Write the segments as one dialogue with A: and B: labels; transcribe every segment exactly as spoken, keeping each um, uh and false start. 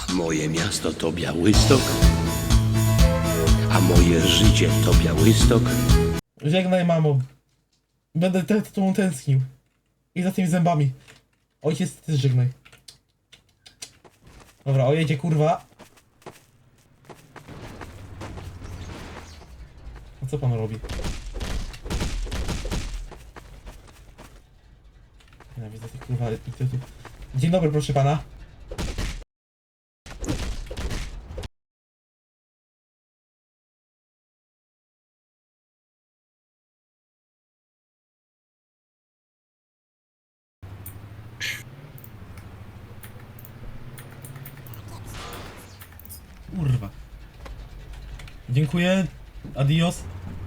A: Moje miasto to Białystok, a moje życie to Białystok.
B: Żegnaj, mamo. Będę te- za tobą tęsknił. I za tymi zębami. Ojciec, ty też żegnaj. Dobra, o jedzie, kurwa. A co pan robi? Nienawidzę tych kurwa idiotów. Dzień dobry, proszę pana. Kurwa. Dziękuję. Adios.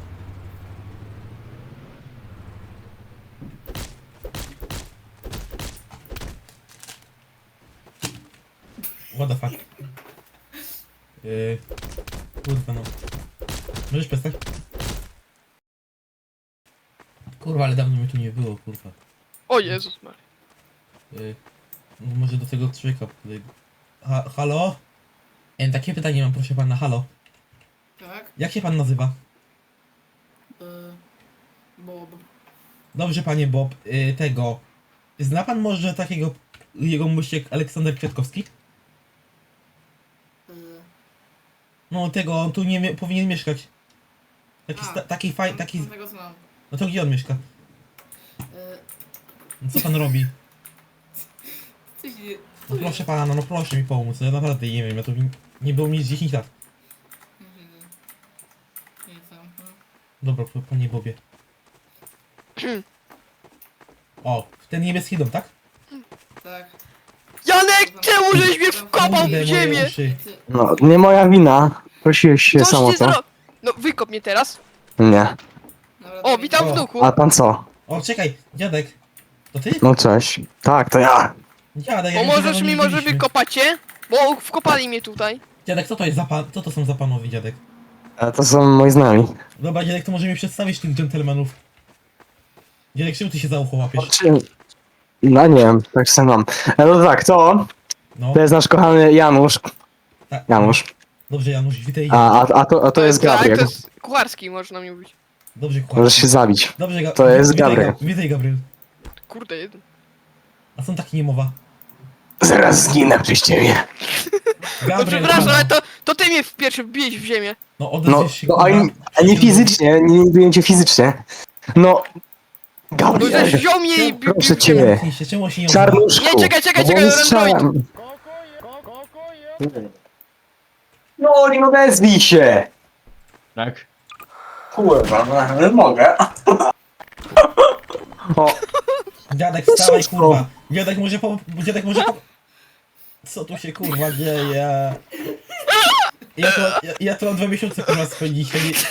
B: What the fuck? Yy... Kurwa no. Możesz przestać? Kurwa, ale dawno mnie tu nie było, kurwa.
C: O Jezus Maria.
B: Yy... no Może do tego człowieka podejdę. Ha halo? E, takie pytanie mam, proszę pana, halo.
D: Tak?
B: Jak się pan nazywa?
D: Y, Bob.
B: Dobrze, panie Bob, yy, tego... Zna pan może takiego... jego muściek Aleksander Kwiatkowski?
D: Y,
B: No tego, on tu nie mie powinien mieszkać. Taki,
D: A,
B: sta taki faj... taki...
D: Żadnego znam.
B: No to gdzie on mieszka?
D: Y,
B: No co pan robi?
D: Coś nie...
B: No proszę pana, no proszę mi pomóc, no ja naprawdę nie wiem, ja to nie było mi z dziesięć lat.
D: Mhm. Nie tam. mhm.
B: Dobra, p- panie Bobie. O, w ten niebieski dom, tak?
D: Tak.
C: Janek, czemu żeś mnie wkopał
B: Kurde,
C: w
B: moje
C: ziemię?
B: uszy.
D: Ty,
E: No, nie moja wina. Prosiłeś się
C: Coś
E: sam o
C: ty
E: to.
C: zro... No wykop mnie teraz.
E: Nie.
D: dobra,
C: O, witam
B: O.
C: wnuku.
E: A pan co?
B: O, czekaj, dziadek. To ty?
E: No cześć. Tak, to ja.
B: Dziadek, jak
C: Pomożesz
B: się
C: mi
B: nie
C: może
B: widzieliśmy.
C: wykopać cię? Bo wkopali mnie tutaj.
B: Dziadek, co to jest za pan... Co to są za panowie, dziadek?
E: E, To są moi znajomi.
B: Dobra, dziadek, to może mi przedstawić tych dżentelmenów. Dziadek, czemu ty się za ucho łapiesz?
E: Czy... No nie wiem, tak sam mam. E, No tak, to,
B: No,
E: to jest nasz kochany Janusz.
B: tak.
E: Janusz.
B: Dobrze, Janusz, witaj.
E: A, a, a, to, a to jest
C: tak,
E: Gabriel.
C: to jest kucharski, można mi mówić.
B: Dobrze,
E: Możesz
B: kłamie.
E: się zabić.
B: Dobrze, Ga
E: To jest
B: witaj,
E: Gabriel.
B: Ga witaj, Gabriel.
C: Kurde, jeden.
B: A są takie niemowa.
E: Zaraz zginę przez ciebie.
C: No
B: Gabriel,
C: przepraszam,
B: halo.
C: ale to, to ty mnie w pierwszy wbiłeś w ziemię.
B: No,
E: No,
B: odezwiesz się,
E: no a,
B: kurwa.
E: nie- a nie fizycznie, nie nie cię fizycznie. No.
C: No
E: Gabriel.
C: żeś wziął mnie i bił
E: Proszę
C: w
E: cię.
C: ziemię.
B: Zamknij się, czemu on się nie odzywa?
E: Czarnuszku.
C: Nie, czekaj, czekaj,
E: bo
C: czekaj,
E: nie
C: Android.
E: strzelam. No, nie odezwij się.
F: Tak?
E: Kurwa, no, nie mogę. O,
B: Dziadek, wstawaj, kurwa. Dziadek może po... Dziadek może po... Co tu się, kurwa, dzieje? Ja to, ja, ja to mam dwa miesiące, kurwa, spędzić.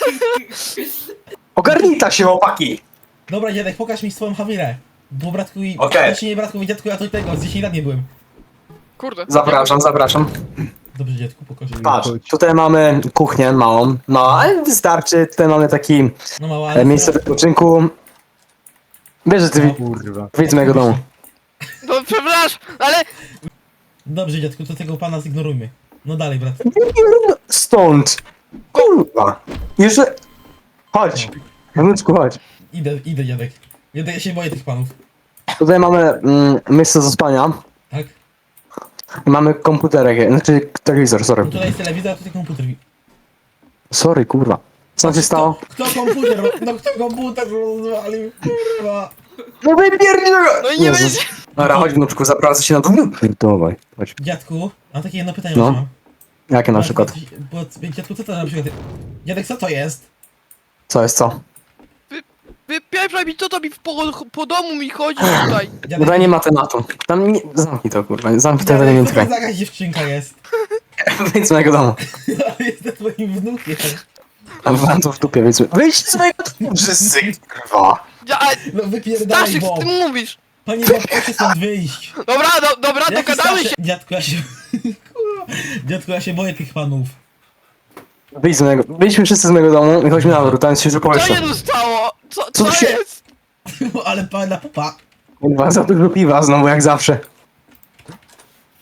E: ogarnij ta się, chłopaki.
B: Dobra, dziadek, pokaż mi swoją hawirę. Bo bratku i...
E: Okej.
B: Znaczy nie bratku i dziadku, ja to tego, z dziesięć lat nie byłem.
C: Kurde.
E: Zapraszam, zapraszam.
B: Dobrze, dziadku, pokaż.
E: Patrz, tutaj mamy kuchnię małą. No, ale wystarczy. Tutaj mamy taki
B: No mała,
E: e,
B: ale...
E: miejsce wypoczynku. Wiesz, że ty wi-
F: Kurwa.
E: widz mojego domu.
C: No przepraszam, ale...
B: Dobrze, dziadku, to tego pana zignorujmy. No dalej, brat.
E: Stąd. Kurwa. Jeszcze... Chodź. Wnuczku, chodź.
B: Idę, idę, dziadek. Dziadek, ja się boję tych panów.
E: Tutaj mamy mm, miejsce do spania.
B: Tak?
E: I mamy komputerek, znaczy telewizor, sorry.
B: No tutaj jest telewizor, a tutaj komputer.
E: Sorry, kurwa. Co się stało?
B: Kto, kto komputer? ro- No kto komputer rozwalił? Kurwa.
E: No wypierdziel go!
C: No i nie
E: Jezus.
C: będzie...
E: Dobra, chodź wnuczku, zapraszam się na dół. Pierdolaj, chodź.
B: Dziadku, mam takie jedno pytanie
E: No.
B: mam.
E: Jakie na przykład?
B: Bo, dziadku, co to na przykład? Dziadek, co to jest?
E: Co jest co?
C: Wypieprzaj mi, co to mi po, po domu mi chodzi tutaj.
B: Dziadek,
E: Tutaj nie ma tematu. Tam nie... Zamknij to, kurwa, zamknij to,
B: dziadek,
E: nie
B: co to
E: tykaj.
B: za jakaś dziewczynka jest?
E: Wyjdź z mojego domu.
B: Ale jestem twoim wnukiem.
E: A wam to w dupie, wyjdź. Wyjdź z mojego domu, wszyscy, kurwa.
C: Ja, ale
B: No wypierdalaj,
C: Staszek,
B: bo...
C: ty mówisz.
B: Panie Bob, proszę stąd wyjść.
C: Dobra, do, dobra,
B: Jaki
C: dogadamy
B: Staszek?
C: się.
B: Dziadku, ja się... Kurwa. Dziadku, ja się boję tych panów.
E: Wyjdź z mojego... Wyjdźmy wszyscy z mojego domu i chodźmy na dół, tam jest świeże
C: Co
E: powietrze.
C: się tu stało? Co,
E: Co
C: co
E: się-
C: jest?
B: Ale pana pupa.
E: Kurwa, za dużo piwa znowu, jak zawsze.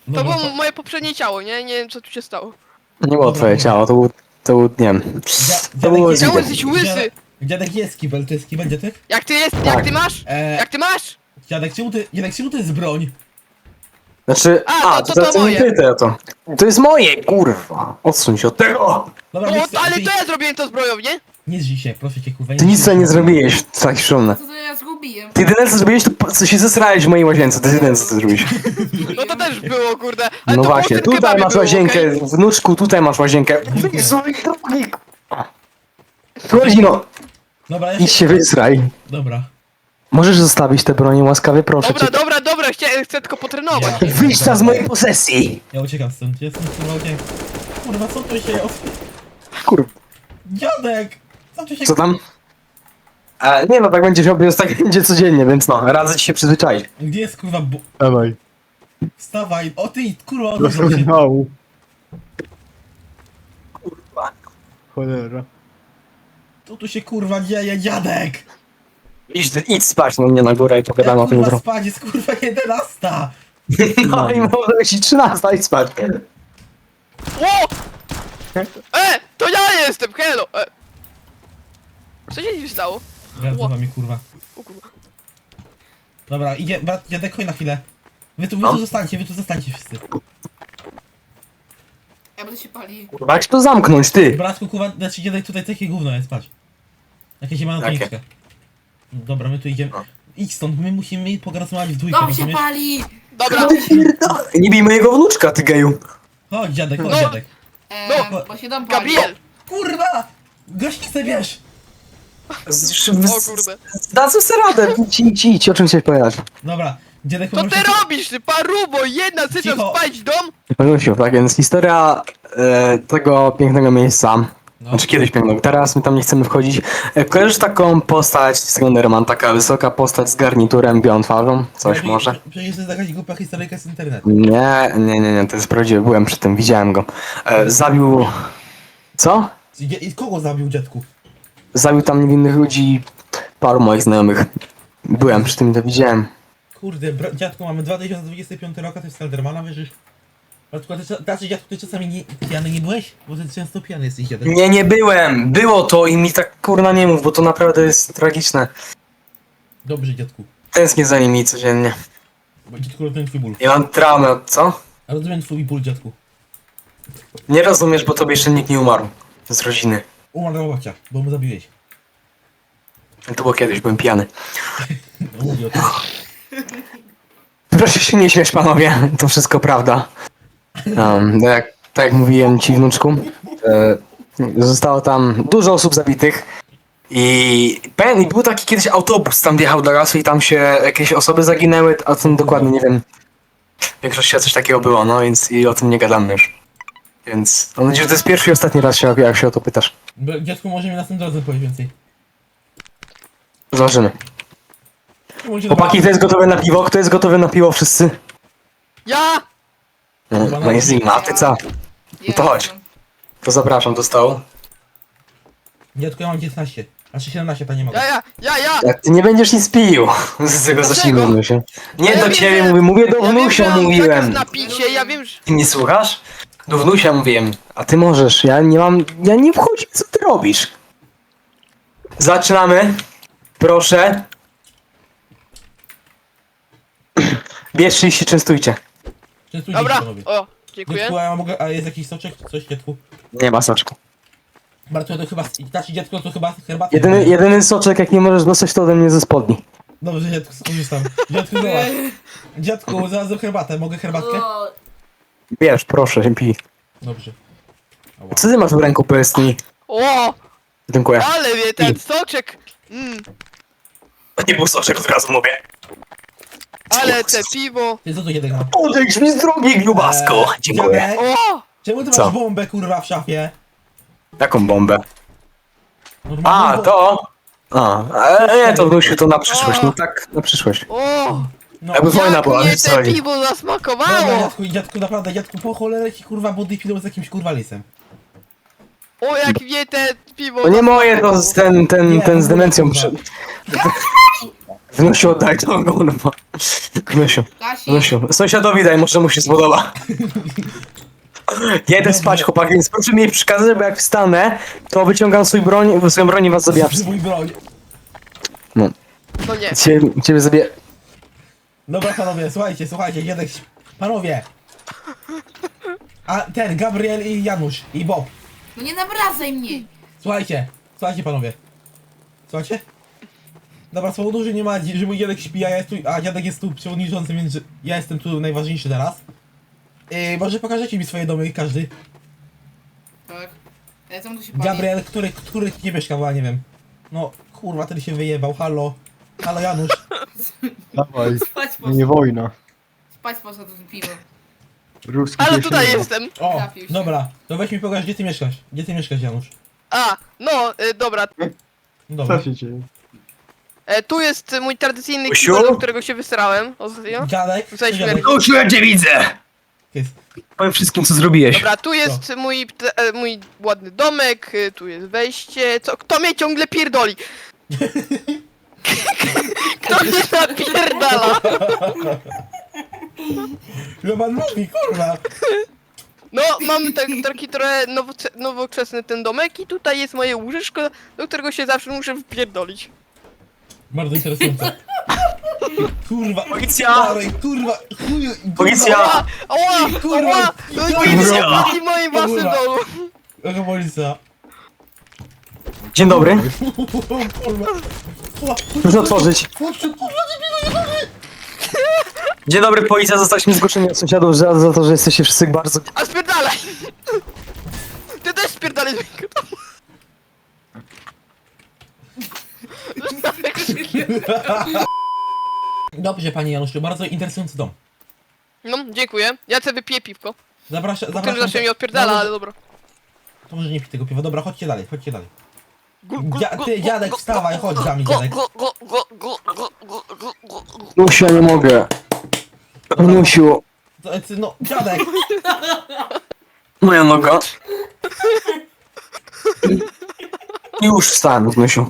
C: To
B: Dobra,
C: było moje poprzednie ciało, nie? Nie wiem co tu się stało.
E: Nie było twoje ciało, to był, to był, nie wiem.
B: Dzia-
E: To było
B: dziadek,
C: Czemu
E: Widzę.
C: jesteś łysy?
B: dziadek, dziadek jest kibel, to jest kibel dziadek?
C: Jak ty jest,
E: Tak.
C: jak ty masz?
B: Eee,
C: Jak ty masz?
B: dziadek, czemu ty, dziadek, czemu to jest broń?
E: Znaczy,
C: A, to-
E: a,
C: to-
E: to,
C: to
E: to,
C: moje.
E: nie ty, to. To jest moje, kurwa. Odsuń się od tego.
B: Dobra,
C: O,
B: wiesz co,
C: ale
B: ty,
C: to ja zrobiłem to zbroją, nie?
B: nie zrzyj się, proszę cię, kurwa.
E: Ty nic sobie nie zrobiłeś, tak szumne.
D: Co to ja zgubiłem?
E: Ty jedyne co zrobiłeś, to po- co się zesrałeś w mojej łazience, to jest jedyne co ty zrobiłeś.
C: No to też było, kurde. Ale
E: No
C: to
E: właśnie,
C: było w tym
E: tutaj
C: kebabie
E: masz
C: było,
E: łazienkę,
C: okej?
E: wnuczku, tutaj masz łazienkę. Godzino,
B: Dobra, ja
E: idź
B: się...
E: się wysraj.
B: Dobra.
E: Możesz zostawić te bronie łaskawie, proszę
C: Dobra,
E: cię.
C: dobra, dobra, chcę, chcę tylko potrenować.
B: Ja-
E: Wyjdź ta z mojej posesji!
B: Ja uciekam stąd, ja stąd kurwa uciekam. Kurwa, co tu się...
E: Kurwa,
B: Dziadek! Co tu się...
E: co tam? E, nie no, tak będzie się obiec, tak będzie codziennie, więc no, radzę ci się przyzwyczaić.
B: Gdzie jest kurwa bu...
F: Dawaj.
B: Wstawaj! O ty, kurwa, odwróć się.
F: Rozmawiał. Cholera.
B: Co tu się kurwa dzieje, dziadek?
E: Idź, idź spać no mnie na górę i pogadamy
B: Ja
E: o tym
B: kurwa
E: jutro.
B: spać, jest kurwa jedenasta!
E: No i może być i trzynasta, idź spać.
C: O! E! To ja jestem, hello! E. Co się dziś stało?
B: Wracam
C: Ło.
B: za mi kurwa.
C: O kurwa.
B: Dobra, idzie, brat, dziadek, chodź na chwilę. Wy tu, wy
E: No.
B: tu zostańcie, wy tu zostańcie wszyscy.
D: Ja będę się pali.
E: Kurwa, jak to zamknąć, ty?
B: Bratku, kurwa, znaczy dziadek tutaj takie gówno jest, patrz. Jakieś ma
E: Jakie?
B: toniczkę. Dobra, my tu idziemy.
E: No.
B: Idź stąd, my musimy porozmawiać w dwójkę,
D: Dom się
B: rozumiesz?
D: pali!
C: Dobra,
E: Nie bij mojego wnuczka, ty geju.
B: Chodź dziadek, chodź
C: No.
B: dziadek.
D: Eee,
C: No,
D: bo się dom pali.
C: Gabriel!
B: Kurwa! Gaśnicę bierz!
C: O kurde.
E: Dadzą sobie radę, idź, idź, idź, o czym chciałeś powiedzieć?
B: Dobra, dziadek
C: Co ty
B: poproszę-
C: robisz, ty parubo? Jedna chce
B: Cicho.
C: spać dom?
E: Panusiu, tak więc historia e, tego pięknego miejsca,
B: No.
E: znaczy kiedyś pięknego, teraz my tam nie chcemy wchodzić. E, kojarzysz taką postać z Slenderman, taka wysoka postać z garniturem, białą twarzą? Coś
B: Przecież-
E: może?
B: Przecież to jest jakaś głupia historyjka z internetu.
E: Nie, nie, nie, nie, to jest prawdziwe, byłem przy tym, widziałem go. E, zabił... Co?
B: I i kogo zabił dziadku?
E: Zabił tam niewinnych ludzi, paru moich znajomych. Byłem przy tym, to widziałem.
B: Kurde, bra- dziadku, mamy dwa tysiące dwudziesty piąty rok, a ty w Slendermana wierzysz? Bratku, a ty, cza- znaczy, dziadku, ty czasami nie, pijany nie byłeś? Bo ty często pijany jesteś, dziadek.
E: Nie, nie byłem, było to i mi tak kurna nie mów, bo to naprawdę jest tragiczne.
B: Dobrze, dziadku.
E: Tęsknię za nimi codziennie.
B: Bo dziadku, rozumiem twój ból.
E: Ja mam traumę, od co?
B: A rozumiem twój ból, dziadku.
E: Nie rozumiesz, bo tobie jeszcze nikt nie umarł. Z rodziny.
B: Umarł babcia, bo mu zabiłeś.
E: To było kiedyś, byłem pijany.
B: No, mówię o tym.
E: Proszę się nie śmiać, panowie, to wszystko prawda. Um, tak, jak, tak jak mówiłem ci, wnuczku, e, zostało tam dużo osób zabitych i pen, i był taki kiedyś autobus, tam wjechał do lasu i tam się jakieś osoby zaginęły, a tym dokładnie nie wiem. W większości coś takiego było, no więc i o tym nie gadamy już. Więc mam nadzieję, że to jest pierwszy i ostatni raz, się, jak się o to pytasz.
B: Bra- Dziadku, może mi następnym razem powiedz więcej.
E: Zobaczymy.
B: Może
E: Chłopaki, kto jest gotowy na piwo? Kto jest gotowy na piwo? Wszyscy?
C: Ja!
E: No, no jest zima, a ty co?
D: Ja
E: to chodź.
D: jestem.
E: To zapraszam do stołu.
B: Dziadku, ja mam dziewiętnaście. Znaczy siedemnaście, to nie mogę.
C: Ja, ja, ja, ja!
E: Jak ty nie będziesz nic pił z tego
C: Dlaczego?
E: zacznijmy się. Nie
C: Ja
E: do
C: wiem,
E: ciebie
C: że-
E: mówię, mówię do
C: Ja wiem, że
E: wnusia
C: mam
E: mówiłem.
C: zakaz na picie, ja wiem, że...
E: Ty nie słuchasz? Do wnusia mówiłem. A ty możesz, ja nie mam, ja nie wchodzi, co ty robisz? Zaczynamy. Proszę. Bierzcie i się częstujcie.
B: Częstujcie
C: Dobra,
B: się, panowie.
C: o, dziękuję.
B: Dziadku, a ja mogę, a jest jakiś soczek? Coś, dziadku?
E: Nie ma soczku.
B: Bardzo to chyba, znaczy dziadku, to chyba herbatę.
E: Jedyny, jedyny soczek, jak nie możesz dostać, to ode mnie ze spodni.
B: Dobrze, dziadku, skorzystam. Dziadku, zobacz. Dziadku, znalazłem herbatę, mogę herbatkę?
D: O,
E: Bierz, proszę, pij.
B: Dobrze. Ała.
E: Co ty masz w ręku, powiedz mi?
C: O,
E: Dziękuję.
C: ale wie, ten soczek. Mm,
E: To nie był soczek, od razu mówię.
C: ale te piwo.
B: Ty co tu dziadek ma?
E: Odejdź mi z drogi, grubasko.
B: Eee,
E: Dziękuję.
B: dziadek,
C: O,
B: czemu ty
E: Co?
B: masz bombę, kurwa, w szafie?
E: Jaką bombę?
B: Normalną
E: A,
B: bo-
E: to? A, e, nie, to wnusiu, to na przyszłość, no tak, na przyszłość.
C: o,
B: No,
E: Jakby wojna
C: jak
E: była,
C: mnie
E: wiesz co
C: te
E: chodzi.
C: piwo
B: Dobra,
C: zasmakowało.
B: dziadku, dziadku, naprawdę, dziadku, po cholerę ci, kurwa, body pillow z jakimś, kurwa, lisem.
C: O, jak mnie te piwo
E: To nie moje, to z ten, ten,
B: Nie,
E: ten z
B: kurwa.
E: demencją przy... Wnusiu, oddaj to gówno. Wnusiu,
D: Kasi,
E: wnusiu. Sąsiadowi daj, może mu się spodoba. Ja idę spać, chłopaki, więc proszę mi nie przeszkadzać, bo jak wstanę, to wyciągam swój broń, swoją broń i was zabijam wszystkich.
B: Mój broń.
E: No,
C: No nie.
E: ciebie, ciebie zabiję.
B: Dobra panowie, słuchajcie, słuchajcie, dziadek... Panowie! A ten, Gabriel i Janusz, i Bob.
D: no nie nabradzaj mnie.
B: Słuchajcie, słuchajcie panowie. Słuchajcie? Dobra, z powodu, że nie ma, że mój dziadek śpi, a ja jest tu, a dziadek jest tu przewodniczący, więc że ja jestem tu najważniejszy teraz. Yy, może pokażecie mi swoje domy, każdy.
D: Tak. Ja tam tu się pali.
B: Gabriel, który, który nie mieszka, bo ja nie wiem. No, kurwa, ten się wyjebał, halo. Halo Janusz.
F: Dawaj,
D: Spać
F: no nie
D: poszedł.
F: wojna.
D: Spać poszedł z piwo.
F: Ruski
C: Ale
F: pies
C: tutaj
F: nie ma.
C: jestem.
B: O,
D: Trafił się.
B: dobra, to weź mi pokaż, gdzie ty mieszkasz. Gdzie ty mieszkasz, Janusz?
C: A, no, y, dobra.
B: Dobra.
F: Co się dzieje?
C: E, tu jest mój tradycyjny
E: Usiu?
C: kibel, do którego się wysrałem ostatnio.
B: Dziadek,
C: Tutaj
B: dziadek,
C: śmierć.
E: Usiu, ja cię widzę!
B: jest.
E: Powiem wszystkim, co zrobiłeś.
C: Dobra, tu jest mój, te- e, mój ładny domek, y, tu jest wejście. Co? Kto mnie ciągle pierdoli? Kto mnie napierdala?
B: Chyba nóżki, kurwa.
C: No, mam tak, taki trochę nowocze- nowoczesny ten domek i tutaj jest moje łóżeczko, do którego się zawsze muszę wpierdolić.
B: Bardzo interesujące. Kurwa,
E: Policja!
B: stary, kurwa, chuju, kurwa.
E: Policja!
C: Ała! Ała!
B: Kurwa.
C: Ała! No
B: Kurwa.
C: nie w moim własnym
B: Kurwa.
C: domu!
B: Jaka policja?
E: Dzień dobry.
B: Kurwa.
E: Proszę otworzyć.
B: Chłopcze, kurwa, nie biegaj,
E: Dzień dobry, policja. Zostaliśmy zgłoszeni od sąsiadów za, za to, że jesteście wszyscy bardzo...
C: A spierdalaj! Ty też spierdalaj z mojego domu!
B: Dobrze, panie Januszu, bardzo interesujący dom.
C: No, dziękuję. Ja sobie wypiję piwko.
B: Zapraszam,
C: Tym
B: zapraszam.
C: zawsze mi odpierdala,
B: No,
C: ale dobra.
B: To może nie pij tego piwa, dobra, chodźcie dalej, chodźcie dalej.
C: Gu- gu-
B: Dzia-
C: gu-
B: ty,
C: gu-
B: dziadek,
C: gu-
B: wstawaj, chodź za mnie,
C: gu-
B: dziadek.
C: gu- gu- gu- gu- gu- gu- gu- gu- gu-
E: Nusiu, ja nie mogę. Nusiu.
B: To, ty, no, dziadek,
E: Moja noga. Już wstałem, Nusiu.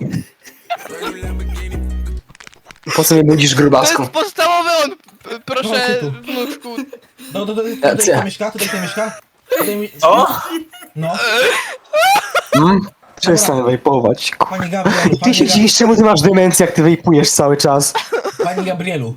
E: Po co mnie budzisz,
C: To
E: grubasku?
C: jest podstawowy on, p- proszę,
B: Chodź tu.
C: wnuczku.
B: no, to, to, to, tutaj
E: Racja.
B: kto mieszka, tutaj kto mieszka? Tutaj mi...
E: O!
B: No,
E: Hmm? Przestań wejpować.
B: panie Gabrielu,
E: Ty
B: panie,
E: się
B: Ga
E: dziwisz, czemu ty masz demencję, jak ty wejpujesz cały czas?
B: panie Gabrielu.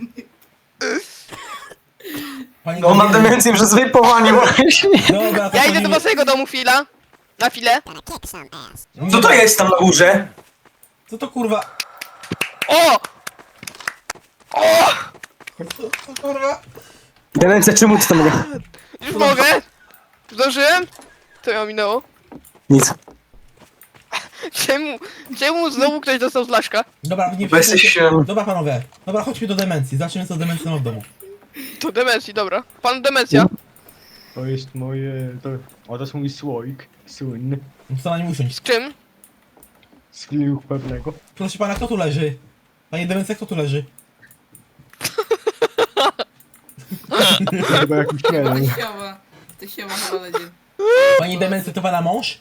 B: Panie
E: No, mam
B: Gabrielu.
E: demencję przez wejpowanie właśnie.
B: Dobra, to
C: Ja
B: to
C: idę
B: nie-
C: do waszego domu chwila. Na chwilę.
B: nie-
E: Co to jest tam na górze?
B: Co to kurwa?
C: O! O!
B: Co, co kurwa?
E: Demencja, czemu ty tam mogę?
C: Już mogę? Zdążyłem? Co ją minęło?
E: Nic.
C: Czemu, czemu znowu ktoś dostał z laszka?
B: Dobra, nie
E: Bo jesteś,
B: przejmujcie-
E: em,
B: Dobra panowie, dobra, chodźmy do demencji, zacznijmy co demencja ma w domu.
C: To demencji, dobra. Pan demencja.
F: To jest moje... To... O, to jest mój słoik. Słynny.
B: Muszę na nim usiąść.
C: Z czym?
F: Z filmu pewnego.
B: Proszę pana, kto tu leży? Panie demencja, kto tu leży?
F: Chyba jakiś jeden.
D: Siema. To siema, ale dzień.
B: Panie demencja, to pana mąż?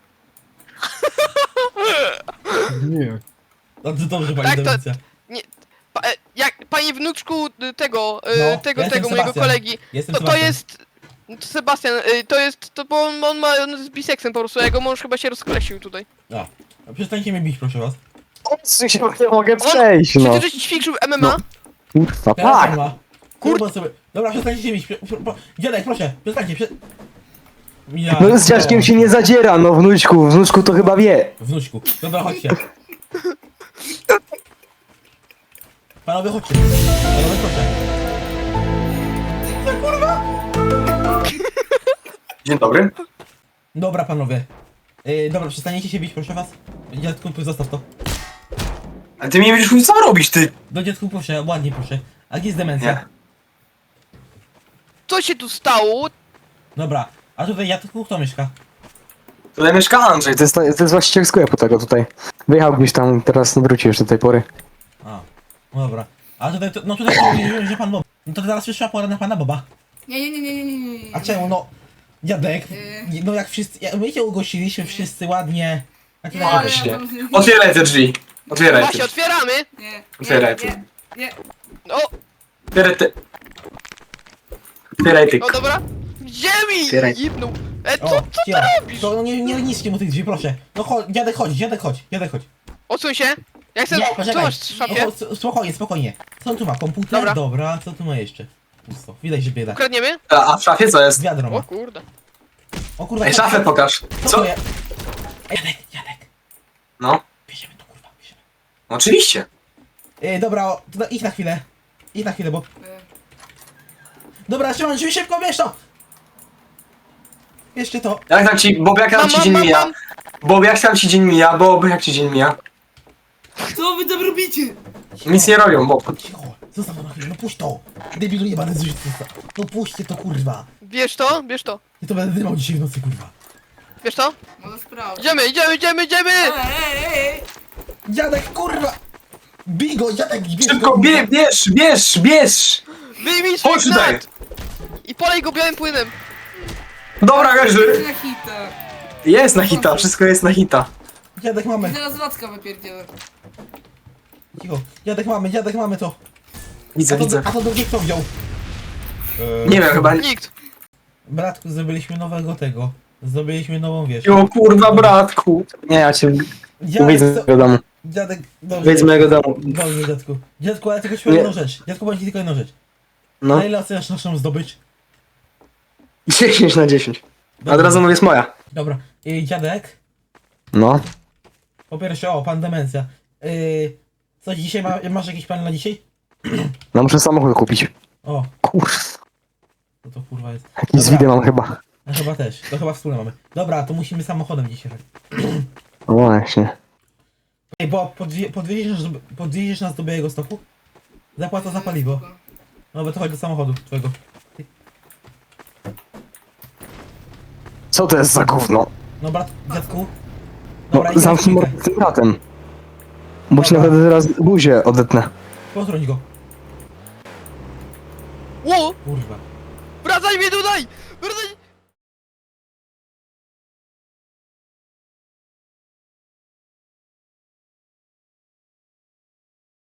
F: Nie.
B: No to dobrze, pani
C: Tak, to-
B: demencja.
C: Pa, e, jak, panie wnuczku y, tego, y,
B: No,
C: tego,
B: ja jestem
C: tego mojego
B: Sebastian.
C: kolegi.
B: Jestem
C: To, to
B: Sebastian.
C: jest... to Sebastian, y, to jest, to bo on, on ma, on jest biseksem po prostu, a jego mąż chyba się rozkolesił tutaj.
B: A, a przestańcie mnie bić, proszę was.
E: Odsuń się, bo nie mogę przejść,
C: Czy
E: no.
C: ty żeś ćwiczył M M A?
E: No. Kurwa,
B: Teraz
E: tak.
B: on ma. Kurwa sobie. Dobra, przestańcie się bić. Prze- prze- pro- Dziadek, proszę, przestańcie, prze... Ja,
E: No z dziadkiem się nie zadziera, no wnuczku, wnuczku to chyba wie.
B: Wnuczku. Dobra, chodźcie. Panowie, chodźcie. Panowie, proszę. Co kurwa?
E: Dzień dobry.
B: Dobra, panowie. Yy, dobra, przestaniecie się bić, proszę was. Dziadku, zostaw to.
E: A ty mi nie będziesz mówić, co robić, ty?
B: Do dziadku, proszę, ładnie, proszę. A gdzie jest demencja?
E: Nie.
C: Co się tu stało?
B: Dobra, a tutaj dziadku kto mieszka?
E: Tutaj mieszka Andrzej, to jest, to jest właściciel sklepu tego tutaj. Wyjechał gdzieś tam i teraz wrócił już do tej pory.
B: A, no dobra. A tutaj, to, no tutaj mówiłem, że pan Bob. No to teraz przyszła pora na pana Boba.
D: Nie, nie, nie, nie, nie, nie, nie.
B: A czemu, no... Dziadek,
D: Yy.
B: no jak wszyscy, jak my cię ugościliśmy wszyscy ładnie. A ty
D: Nie,
B: tak...
D: ale
E: Właśnie.
D: ja tam-
E: Otwieraj te drzwi. Otwieraj te
C: Właśnie,
E: drzwi.
C: otwieramy!
D: Nie,
E: Otwieraj
D: nie,
E: tu.
D: nie. Nie.
C: No,
E: Tyrety. Tyretyk.
C: no dobra. Ziemi!
E: Otwieraj.
C: Jibnął. E, co,
B: O,
C: co ty
B: cicho.
C: robisz?
B: To no nie, nie niskie mu tych drzwi, proszę. No chodź, dziadek chodź, dziadek chodź, dziadek chodź.
C: Odsuń się. Ja chcę...
B: Nie,
C: Co
B: poczekaj.
C: masz w szafie?
B: No, chodź, spokojnie, spokojnie. Co on tu ma? Komputer?
C: Dobra.
B: Dobra, co tu ma jeszcze? Pusto. Widać, że bieda.
C: Ukradniemy?
E: A, a w szafie co jest?
B: Wiadro
C: O
B: ma.
C: kurde.
B: O kurwa,
E: Ej,
B: co-
E: szafę pokaż.
B: Co
E: Co?
B: to jest? Ej, Dziadek, dziadek.
E: No,
B: Bierzemy to, kurwa, bierzemy.
E: oczywiście.
B: Ej, dobra, o, to, da- idź na chwilę. Idź na chwilę, bo...
D: E,
B: Dobra, trzymam drzwi szybko, bierz to! Jeszcze to.
E: Jak tam ci, Bob, jak tam
C: Mam,
E: ci
C: mam,
E: dzień
C: mam,
E: mija?
C: mam.
E: Bob, jak tam ci dzień mija? Bob, jak ci dzień mija?
D: Co wy tam robicie?
E: Nic nie robią, Bob.
B: Cicho, zostaw to na chwilę, no puść to! Debilu jebany z No puśćcie to, kurwa!
C: Bierz to, bierz to.
B: Ja to będę dymał dzisiaj w nocy, kurwa.
C: Bierz to.
D: Może sprawdzę.
C: Idziemy, idziemy, idziemy, idziemy!
D: Ej, ej, ej!
B: Dziadek, kurwa! Bij go, dziadek, bierz
E: Szybko,
B: go,
E: bie, bierz, bierz, bierz!
C: Wyjmij swój
E: Chodź tutaj!
C: gnat! I polej go białym płynem.
E: Dobra, leży!
D: Na hita.
E: Jest na hita, wszystko jest na hita.
B: Dziadek mamy,
D: Zaraz Wacka wypierdzielę.
B: cicho. Dziadek mamy, dziadek mamy to.
E: Widzę,
B: A to,
E: widzę.
B: a to drugi kto wziął?
E: Nie wiem, chyba...
C: Nikt.
B: Bratku, zrobiliśmy nowego tego. Zrobiliśmy nową wieś.
E: O kurwa, bratku. Nie, ja cię...
B: Dziadek,
E: Wyjdź z
B: co-
E: mojego domu.
B: dziadek, dobrze.
E: Wyjdź z mojego domu.
B: Dobrze, dziadku. Dziadku, ale tylko ci powiem
E: Nie.
B: jedną rzecz. Dziadku, powiem ci tylko jedną rzecz.
E: No.
B: Na ile oceniasz naszą zdobycz?
E: dziesięć na dziesięć. A
B: Dobra.
E: od razu mówię, jest moja.
B: Dobra. I dziadek,
E: No.
B: po pierwsze, o, pan demencja. Yy, coś dzisiaj ma, masz jakiś plan na dzisiaj?
E: No muszę samochód kupić.
B: O,
E: Kurwa.
B: to to kurwa jest.
E: Jakiś z mam chyba.
B: No chyba też, to chyba wspólne mamy. Dobra, to musimy samochodem dzisiaj.
E: No właśnie.
B: Ej, bo podwie, podwieziesz, nas do- podwieziesz nas do Białego Stoku? Zapłata za paliwo. No bo to chodź do samochodu twojego.
E: Co to jest za gówno?
B: No brat, dziadku.
E: No,
B: Dobra, idź
E: zamknij
B: na
E: mordę
B: chwilkę.
E: z tym bratem. Bo ci
B: Dobra.
E: nawet teraz buzię odetnę.
B: Potrąć go.
C: Ło!
B: Kurwa.
C: Wracaj mnie tutaj! Wracaj!